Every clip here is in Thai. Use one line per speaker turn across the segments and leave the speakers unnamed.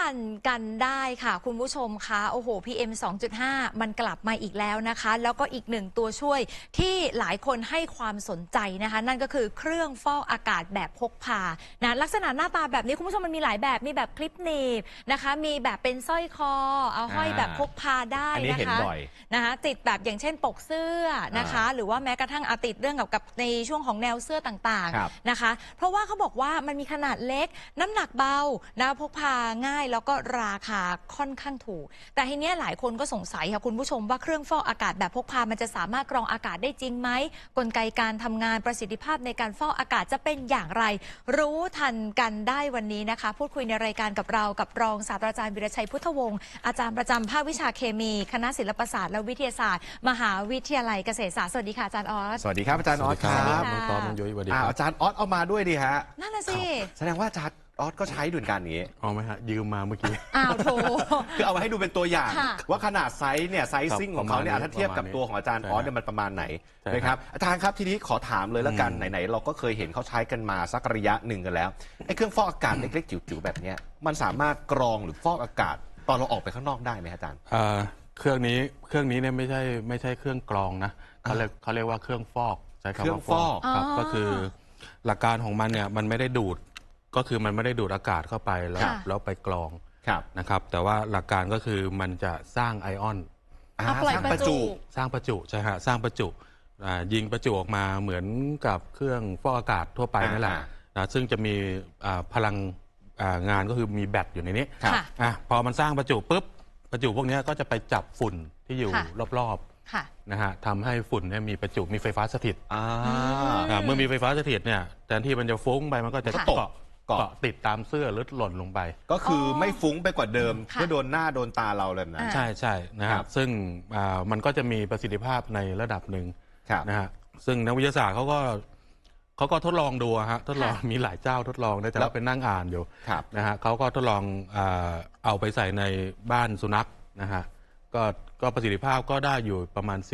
ทันกันได้ค่ะคุณผู้ชมคะโอ้โห PM 2.5 มันกลับมาอีกแล้วนะคะแล้วก็อีกหนึ่งตัวช่วยที่หลายคนให้ความสนใจนะคะนั่นก็คือเครื่องฟอกอากาศแบบพกพานะลักษณะหน้าตาแบบนี้คุณผู้ชมมันมีหลายแบบมีแบบคลิปหนีบนะคะมีแบบเป็นสร้อยคอเอาห้อยแบบพกพาได้นะคะติดแบบอย่างเช่นปกเสื้อนะคะหรือว่าแม้กระทั่งติดเรื่องกับในช่วงของแนวเสื้อต่างๆนะคะเพราะว่าเขาบอกว่ามันมีขนาดเล็กน้ำหนักเบานะพกพาง่ายแล้วก็ราคาค่อนข้างถูกแต่ทีนี้หลายคนก็สงสัยค่ะคุณผู้ชมว่าเครื่องฟอกอากาศแบบพกพามันจะสามารถกรองอากาศได้จริงไหมกลไกการทำงานประสิทธิภาพในการฟอกอากาศจะเป็นอย่างไรรู้ทันกันได้วันนี้นะคะพูดคุยในรายการกับเรากับรองศาสตราจารย์วิรชัยพุทธวงศ์อาจารย์ประจำภาควิชาเคมีคณะศิลปศาสตร์และวิทยาศาสตร์มหาวิทยาลัยเกษตรศาสตร์สวัสดีค่ะอาจารย์ออส
สวัสดีครับอาจารย์ออสครับ
น้องตอมน้องยุ้ยสวัสดีครับ
อาจารย์ออสเอามาด้วยดิฮะ
นั่นน่ะสิ
แสดงว่าอาจารย์ออสก็ใช้ด้วยกันนี้
เอาไหมฮะยืมมาเมื่อกี้
โถ
คือเอามาให้ดูเป็นตัวอย่างว่าขนาดไซส์เนี่ยไซซิ่งของเขาเนี่ยถ้าเทียบกับตัวของอาจารย์ออสเนี่ยมันประมาณไหนนะครับอาจารย์ครับทีนี้ขอถามเลยแล้วกันไหนๆเราก็เคยเห็นเขาใช้กันมาสักระยะหนึ่งกันแล้วไอ้เครื่องฟอกอากาศเล็กๆจิ๋วๆแบบนี้มันสามารถกรองหรือฟอกอากาศตอนเราออกไปข้างนอกได้ไหมอาจารย์
เครื่องนี้เนี่ยไม่ใช่เครื่องกรองนะเขาเรียกว่าเครื่องฟอกใช้คำว่าฟอกครับก็คือหลักการของมันเนี่ยมันไม่ได้ดูดก็คือมันไม่ได้ดูดอากาศเข้าไปแล้วไปกรองนะครับแต่ว่าหลักการก็คือมันจะสร้างไอออน
สร้างประจุ
ใช่ฮะสร้างประจุยิงประจุออกมาเหมือนกับเครื่องฟอกอากาศทั่วไปนั่นแหละนะซึ่งจะมีพลังงานก็คือมีแบตอยู่ในนี้พอมันสร้างประจุปุ๊บประจุพวกนี้ก็จะไปจับฝุ่นที่อยู่รอบๆนะฮะทำให้ฝุ่นเนี่ยมีประจุมีไฟฟ้าสถิตเมื่อมีไฟฟ้าสถิตเนี่ยแทนที่มันจะฟุ้งไปมันก็จะเกาะติดตามเสื้อหรือหล่นลงไป
ก็คือไม่ฟุ้งไปกว่าเดิมเพื่อโดนหน้าโดนตาเราเลยนะ
ใช่นะครับซึ่งมันก็จะมีประสิทธิภาพในระดับหนึ่งนะฮะซึ่งนักวิทยาศาสตร์เขาก็ทดลองดูฮะทดลองมีหลายเจ้าทดลองแต่เราเป็นนั่งอ่านอยู่นะฮะเขาก็ทดลองเอาไปใส่ในบ้านสุนัขนะฮะก็ประสิทธิภาพก็ได้อยู่ประมาณ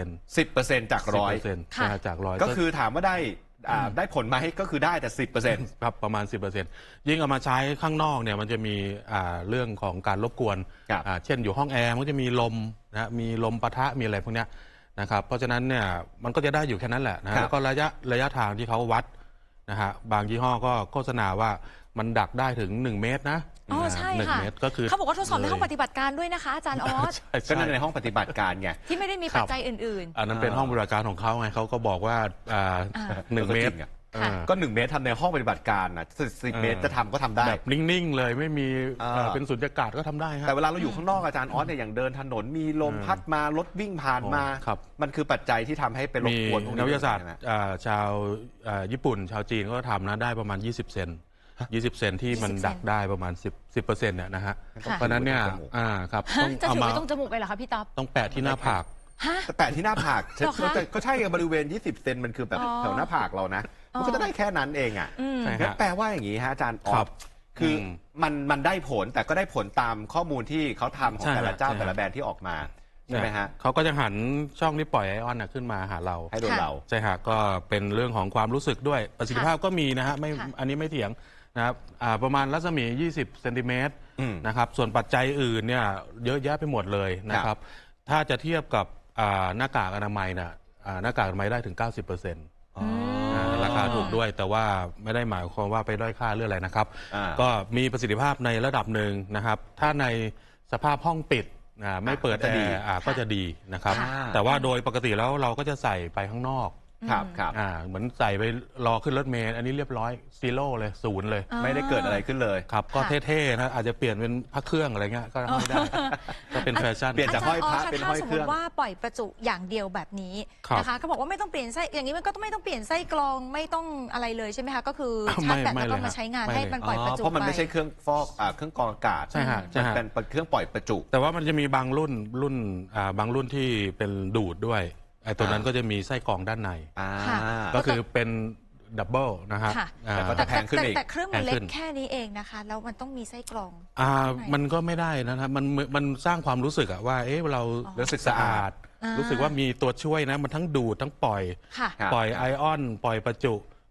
10% จาก100%
จาก100
ก็คือถามว่าได้ผลไหมก็คือได้แต่ 10%
ครับประมาณ 10%ยิ่งเอามาใช้ข้างนอกเนี่ยมันจะมีเรื่องของการรบกวนเช่นอยู่ห้องแอร์มันจะมีลมนะมีลมปะทะมีอะไรพวกนี้นะครับเพราะฉะนั้นเนี่ยมันก็จะได้อยู่แค่นั้นแหละนะแล้วก็ระยะทางที่เขาวัดนะฮะบางยี่ห้อก็โฆษณาว่ามันดักได้ถึง1 เมตรนะ
ใช่ค่ะ
ก็คือ
เขาบอกว่าทดสอบในห้องปฏิบัติการด้วยนะคะอาจารย์ออส
ก็นั่นในห้องปฏิบัติการไง
ที่ไม่ได้มีปัจจัยอื่น
ๆอันนั้นเป็นห้องปฏิบัติการของเขาไงเขาก็บอกว่า1 เมตร
ก็1 เมตรทำในห้องปฏิบัติการนะ10 เมตรจะทำก็ทำได้
แบบนิ่งๆเลยไม่มีเป็นสุญญากาศก็ทำได้
แต่เวลาเราอยู่ข้างนอกอาจารย์ออสเนี่ยอย่างเดินถนนมีลมพัดมารถวิ่งผ่านมามันคือปัจจัยที่ทำให้เป็นรบกวน
นักวิทยาศาสตร์ชาวญี่ปุ่นชาวจีนก็ทำนะได้ประมาณ20 เซนที่มันดักได้ประมาณ10%เนี่ยนะฮะเพราะนั้นเนี่ยครับ
ต้องเอามาต้องจมูกเลยเหรอคะพี่ต๊อบ
ต้องแปะที่หน้าผาก
แปะที่หน้าผากก็ใช่บริเวณ20 เซนมันคือแบบแถวหน้าผากเรานะมันก็จะได้แค่นั้นเองงั้นแปลว่าอย่างนี้ฮะอาจารย์ออสคือมันได้ผลแต่ก็ได้ผลตามข้อมูลที่เขาทำของแต่ละเจ้าแต่ละแบรนด์ที่ออกมาใช่ไหมฮะ
เขาก็จะหันช่องที่ปล่อยไอออนขึ้นมาหาเรา
ให้โดนเรา
ใช่ฮะก็เป็นเรื่องของความรู้สึกด้วยประสิทธิภาพก็มีนะฮะไม่อันนี้ไม่เถียงนะครับประมาณรัศมี20 เซนติเมตรนะครับส่วนปัจจัยอื่นเนี่ยเยอะแยะไปหมดเลยนะครับถ้าจะเทียบกับหน้ากากอนามัยนะหน้ากากอนามัยได้ถึง 90%ราคาถูกด้วยแต่ว่าไม่ได้หมายความว่าไปด้อยค่าเรื่องอะไรนะครับก็มีประสิทธิภาพในระดับหนึ่งนะครับถ้าในสภาพห้องปิดไม่เปิดแอร์ก็จะดีนะครับแต่ว่าโดยปกติแล้วเราก็จะใส่ไปข้างนอกเหมือนใส่ไปรอขึ้นรถเมล์อันนี้เรียบร้อยซีโร่เลย0เลย
ไม่ได้เกิดอะไรขึ้นเลย
ครับก็เท่ๆนะอาจจะเปลี่ยนเป็นพระเครื่องอะไรเงี้ยก็ไม่ได้ก็เป็นแฟชั่น
เปลี่ยนจากห้อยพระเป็นห้อยเครื่อง
ถ้าสมมติว่าปล่อยประจุอย่างเดียวแบบนี้นะคะเขาบอกว่าไม่ต้องเปลี่ยนไส้อย่างนี้มันก็ไม่ต้องเปลี่ยนไส้กรองไม่ต้องอะไรเลยใช่ไหมคะก็คือชาร์จแบตแล้วก็มาใช้งานให้มันปล่อยประจุ
เพราะมันไม่ใช่เครื่องฟอกเครื่องกรองอากาศ
ใช่ฮะ
เป็นเครื่องปล่อยประจุ
แต่ว่ามันจะมีบางรุ่นที่เป็นดูดด้วยไอ้ตัวนั้นก็จะมีไส้กรองด้านในก็คือเป็นดับเบิลนะฮะ
แต่ก็จะแพงขึ้นอีก
แต่เครื่องมันเล็กแค่นี้เองนะคะแล้วมันต้องมีไส้กรอง
มันก็ไม่ได้นะครับมันสร้างความรู้สึกว่าเรารู้สึกสะอาดรู้สึกว่ามีตัวช่วยนะมันทั้งดูดทั้งปล่อยไอออนปล่อยประจุ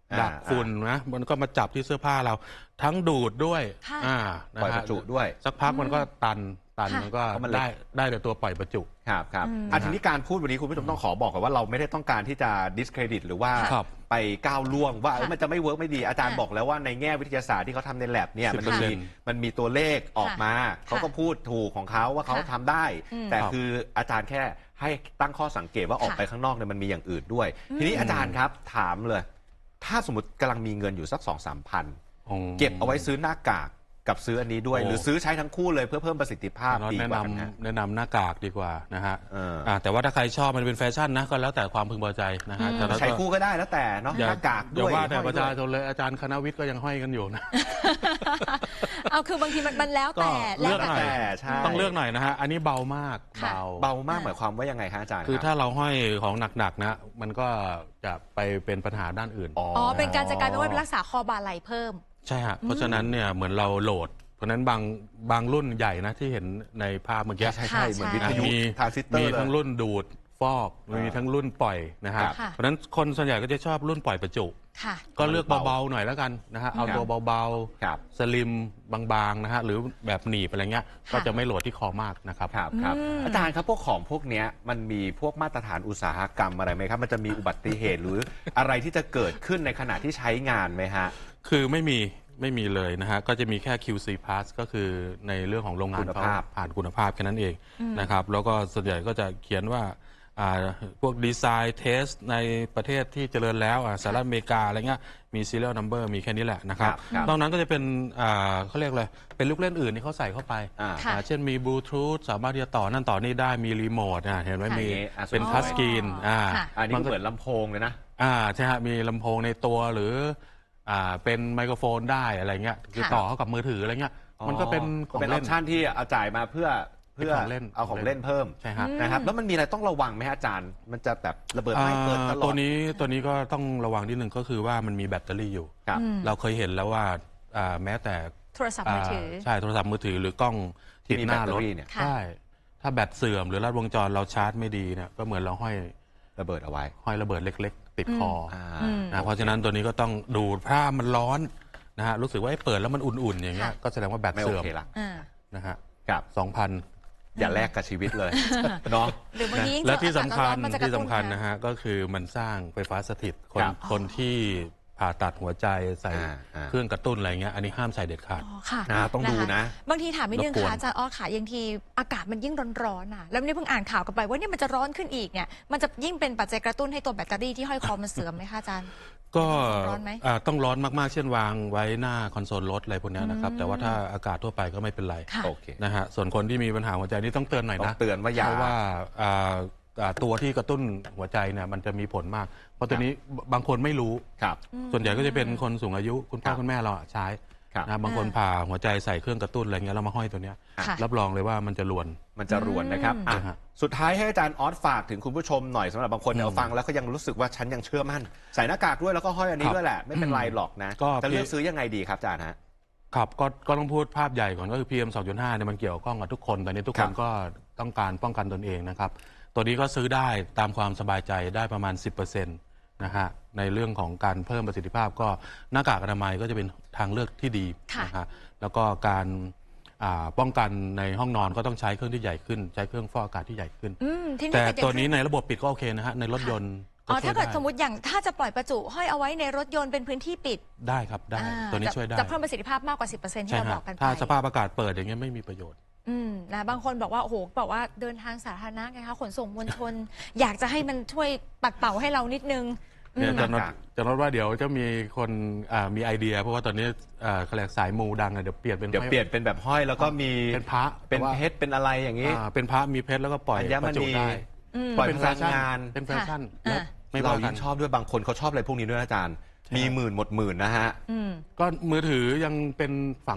ดักฝุ่นนะมันก็มาจับที่เสื้อผ้าเราทั้งดูดด้วย
ค่ะ
ปล่อยประจุด้วย
สักพักมันก็ตัน
ค่ะ
มันก็
เพราะมันเล็ก
ได้แต่ตัวปล่อยประจุ
ครับทีนี้การพูดวันนี้คุณผู้ชมต้องขอบอกก่อนว่าเราไม่ได้ต้องการที่จะ discredit หรือว่า
ครับ
ไปก้าวล่วงว่า
ค่ะ
มันจะไม่เวิร์กไม่ดีอาจารย์
ค่ะ
บอกแล้วว่าในแง่วิทยาศาสตร์ที่เขาทำใน lab เนี่ยมันมีตัวเลขออกมา
ค่ะ
เขาก็พูดถูกของเขาว่าเขา
ค่ะ
ทำได้ แต่
ครับ
คืออาจารย์แค่ให้ตั้งข้อสังเกตว่าออกไปข้างนอกเนี่ยมันมีอย่างอื่นด้วย ทีนี้อาจารย์ครับถามเลย ถ้าสมมติกำลังมีเงินอยู่สัก 2-3 พันเก็บเอาไว้ซื้อหน้ากากกับซื้ออันนี้ด้วย หรือซื้อใช้ทั้งคู่เลยเพื่อเพิ่มประสิทธิภาพดีกว่ากันฮะ
แนะนำหน้ากากดีกว่านะฮะ
อ
แต่ว่าถ้าใครชอบมันเป็นแฟชั่นนะก็แล้วแต่ความพึงพอใจนะฮะแต่เรา
ใช้คู่ก็ได้แล้วแต่เนาะหน้ากาก
อย่า
ด้วย
ว่าแต่
ห้อย
ประชาชนเลยอาจารย์คณะวิทย์ก็ยังห้อยกันอยู่นะ
เอาคือบางทีมันแล้วแต่
ก็เลือกหน่อย
แต่ใช่
ต้องเลือกหน่อยนะฮะอันนี้เบามาก
ค่ะ
เบามากหมายความว่ายังไงคะอาจารย์
คือ
รับ
ถ้าเราห้อยของหนักๆนะมันก็จะไปเป็นปัญหาด้านอื่น
อ๋อเป็นการจะกลายเป็นว่าเป็นรักษาคอบาไหลเพิ่ม
ใช่ฮะเพราะฉะนั้นเนี่ยเหมือนเราโหลด เพราะฉะนั้นบางรุ่นใหญ่นะที่เห็นในภาพเมื่อกี้
ใช่เหมือนวิทยุ
มี
ทรานซิสเตอร์
มี
เลย
ทั้งรุ่นดูดฟอกมีทั้งรุ่นปล่อยนะฮะ
ค่ะ
เพราะฉะนั้นคนส่วนใหญ่ก็จะชอบรุ่นปล่อยประจุ
ค่ะ
ก็เลือกเบาๆหน่อยแล้วกันนะฮะเอาตัวเบา
ครับ
ๆสลิมบางๆนะฮะหรือแบบหนีบอะไรเงี้ยก็จะไม่โหลดที่คอมากนะครับ
ครับอาจารย์ครับพวกของพวกเนี้ยมันมีพวกมาตรฐานอุตสาหกรรมอะไรไหมครับมันจะมีอุบัติเหตุหรืออะไรที่จะเกิดขึ้นในขณะที่ใช้งานไหมฮะ
คือไม่มีเลยนะฮะก็จะมีแค่ QC Pass ก็คือในเรื่องของโรงงาน
คุณภาพ
เขผ่านคุณภาพแค่นั้นเองนะครับแล้วก็ส่วนใหญ่ก็จะเขียนว่าพวกดีไซน์เทสในประเทศที่เจริญแล้วสหรัฐอเมริกาอะไรเงี้ยมี serial number มีแค่นี้แหละนะครับนอกนั้นก็จะเป็นเขาเรียกอะไรเป็นลูกเล่นอื่นที่เขาใส่เข้าไป
ค่ะ
เช่นมีบลูทูธสามารถที่จะต่อนั่นต่อนี่ได้มีรีโมทเห็นไหม
ค่ะ
มี
อ่ะ
เป็น
สวย
ทัชสกรีน
ค่ะ
อันนี้ก็เหมือนลำโพงเลยนะ
ใช่ฮะมีลำโพงในตัวหรือเป็นไมโครโฟนได้อะไรเงี้ยคือ
ค่ะ
ต่อเข้ากับมือถืออะไรเงี้ยมันก็เป็นของ
เป็นอ
เล่
อน ปชั่นที่เอาจ่ายมาเพื่อ
เป็นของเล่น
เอาของเล่นเพิ่ม
ใช่ฮะ
นะครับแล้วมันมีอะไรต้องระวังไหมฮะอาจารย์มันจะแบบระเบิดไม่เปิดตลอด
ตัวนี้ก็ต้องระวังนิดนึงก็คือว่ามันมีแบตเตอรี่อยู่
ครับ
เราเคยเห็นแล้วว่าแม้แต่
โทรศัพท์มือถือ
ใช่โทรศัพท์มือถือหรือกล้องติดหน้ารถ
ที่มีแบตเตอรี่เนี่ย
ค่ะ
ใช่ถ้าแบตเสื่อมหรือลัดวงจรเราชาร์จไม่ดีเนี่ยก็เหมือนเราห้อย
ระเบิดเอาไว้
ระเบิดเล็กๆ ติดคอ เพราะฉะนั้นตัวนี้ก็ต้องดูถ้ามันร้อนนะฮะรู้สึกว่าเปิดแล้วมันอุ่นๆอย่างเงี้ย
ค่ะ
ก็แสดงว่าแบต
ไม่โอ
เสื่อม
เคละ
นะฮะ
ครับ
2,000
อย่าแลกกับชีวิตเลยเนาะ
หรือบางทียิ่ง
และที่
เจอ
สำคัญ
อากาศร้อนมันจะกระตุ้น
นะฮะก็คือมันสร้างไฟฟ้าสถิตคนที่ผ่าตัดหัวใจใส่ เครื่องกระตุ้นอะไรเงี้ยอันนี้ห้ามใส่เด็ดขาด
อ๋อค่ะ
ต้องดูนะ
บางทีถามนิดนึง
รบกวน
ค่ะอาจารย์อ้อค่ะยังทีอากาศมันยิ่งร้อนๆแล้วนี่เพิ่งอ่านข่าวกันไปว่าเนี่ยมันจะร้อนขึ้นอีกเนี่ยมันจะยิ่งเป็นปัจจัยกระตุ้นให้ตัวแบตเตอรี่ที่ห้อยคอมันเสื่อมไหมคะอาจารย์
ก็
ร้อนไหม
ต้องร้อนมากๆ เช่นวางไว้หน้าคอนโซลรถอะไรพวกเนี้ยนะครับแต่ว่าถ้าอากาศทั่วไปก็ไม่เป็นไร
ค่ะ
โอเค
นะฮะส่วนคนที่มีปัญหาหัวใจนี่ต้องเตือนหน่อย
ต้อ
นะ
งเตือนว่าอย่า
เพราะว่าตัวที่กระตุ้นหัวใจเนี่ยมันจะมีผลมาก เพราะตัวนี้บางคนไม่รู้
ครับ
ส่วนใหญ่ก็จะเป็นคนสูงอายุคุณพ่อคุณแม่เราใช้
ครับ
นะบางคนผ่าหัวใจใส่เครื่องกระตุ้นอะไรเงี้ยแล้วมาห้อยตัวเนี้ย
ค่ะ
รับรองเลยว่ามันจะรวน
มันจะรวนนะครับ
อืม
อ่ะ
นะฮะ
สุดท้ายให้อาจารย์ออสฝากถึงคุณผู้ชมหน่อยสำหรับบางคนเนี่ยฟังแล้วก็ยังรู้สึกว่าฉันยังเชื่อมั่นใส่หน้ากากด้วยแล้วก็ห้อยอันนี้ด้วยแหละไม่เป็นไรหรอกนะ
ก็
จะเลือกซื้อยังไงดีครับอาจารย์ฮะ
ครับก็ต้องพูดภาพใหญ่ก่อนก็คือ PM 2.5เนี่ยมันเกี่ยวข้องกับทุกคนตอนนี้ทุกคนก็ต้องการป้องกันตนเองนะครับตัวนี้ก็ซื้อได้ตามความสบายใจได้ประมาณ 10%นะฮะในเรื่องของการเพิ่มประสิทธิภาพก็หน้ากากอนามัยก็จะเป็นทางเลือกที่ดี
ค่ะ
นะฮะแล้วก็การป้องกันในห้องนอนก็ต้องใช้เครื่องที่ใหญ่ขึ้นใช้เครื่องฟอกอากาศที่ใหญ่ขึ้น
ทีนี้
แต่
เป็อย่าง
ตัวนี้ในระบบปิดก็โอเคนะฮะในรถยนต์
อ๋อ
ช่วย
ถ้าเกิด
ไ
สมมติอย่างถ้าจะปล่อยประจุห้อยเอาไว้ในรถยนต์เป็นพื้นที่ปิด
ได้ครับได้ตัวนี้ช่วยได้
จะเพิ่มประสิทธิภาพมากกว่า 10%ที่
ใช่
เราบ
ฮะ
อกกันไป
ถ้าสภาพอากาศเปิดอย่างเงี้ยไม่มีประโยชน์
นะบางคนบอกว่าโอ้โหบอกว่าเดินทางสาธารณะไงคะขนส่งมวลชน อยากจะให้มันช่วยปัดเป่าให้เรานิดนึง
เนี่ย
หน้ากาก
จะนดว่าเดี๋ยวจะมีคนมีไอเดีย เพราะว่าตอนนี้เขาเรียกสายมูดังเดี๋ยวเปลี่ยนเป็น
เดี๋ยวเปลี่ยนเป็นแบบห้อยแล้วก็มี
เป็นพระ
เป็น
แต่ว่า
เพชรเป็นอะไรอย่างนี้
เป็นพระมีเพชรแล้วก็ปล่อย
อัญม
ประจุ
ณี
ได้
ปล่อย
เป็น
พ
แฟ
ลัง
ชั่น
งาน
เป็นแฟชั่น
ค่ะ
และไม่
เรา
ว่ากั
ยิ่
น
งชอบด้วยบางคนเขาชอบอะไรพวกนี้ด้วยนะอาจารย์ มีหมื่นหมดหมื่นนะฮะ
ก็มือถือยังเป็นฝังเพชร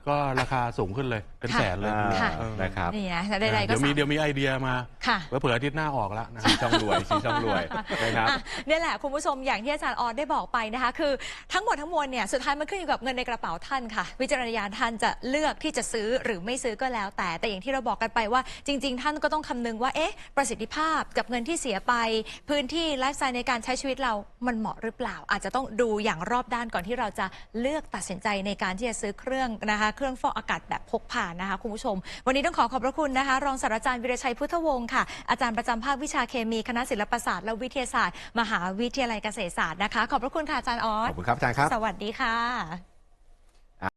ก็ราคาสูงขึ้นเลยเป็นแสนเลย
ค่ะ
นะครับ
นี่นะใดๆก็
เดี๋ยวมีไอเดียมา
ค่ะ
เผื่ออาทิตย์หน้าออกแล้วนะ
ชี้ช่องรวยชี้ช่องรวยนะครับ
เนี่ยแหละคุณผู้ชมอย่างที่อาจารย์ออสได้บอกไปนะคะคือทั้งหมดทั้งมวลเนี่ยสุดท้ายมันขึ้นอยู่กับเงินในกระเป๋าท่านค่ะวิจารณญาณท่านจะเลือกที่จะซื้อหรือไม่ซื้อก็แล้วแต่อย่างที่เราบอกกันไปว่าจริง ๆ ท่านก็ต้องคำนึงว่าประสิทธิภาพกับเงินที่เสียไปพื้นที่ไลฟ์สไตล์ในการใช้ชีวิตเรามันเหมาะหรือเปล่า อาจจะต้องดูอย่างรอบด้านก่อนที่เราจะเลือกตัดสินใจในการที่จะซื้อเครื่องนะคะเครื่องฟอกอากาศแบบพกพานะคะคุณผู้ชมวันนี้ต้องขอบพระคุณนะคะรองศาสตราจารย์วีรชัยพุทธวงศ์ค่ะอาจารย์ประจำภาควิชาเคมีคณะศิลปศาสตร์และวิทยาศาสตร์มหาวิทยาลัยเกษตรศาสตร์นะคะขอบพระคุณค่ะอาจารย์ออส
ขอบคุณครับอาจารย์ครับ
สวัสดีค่ะ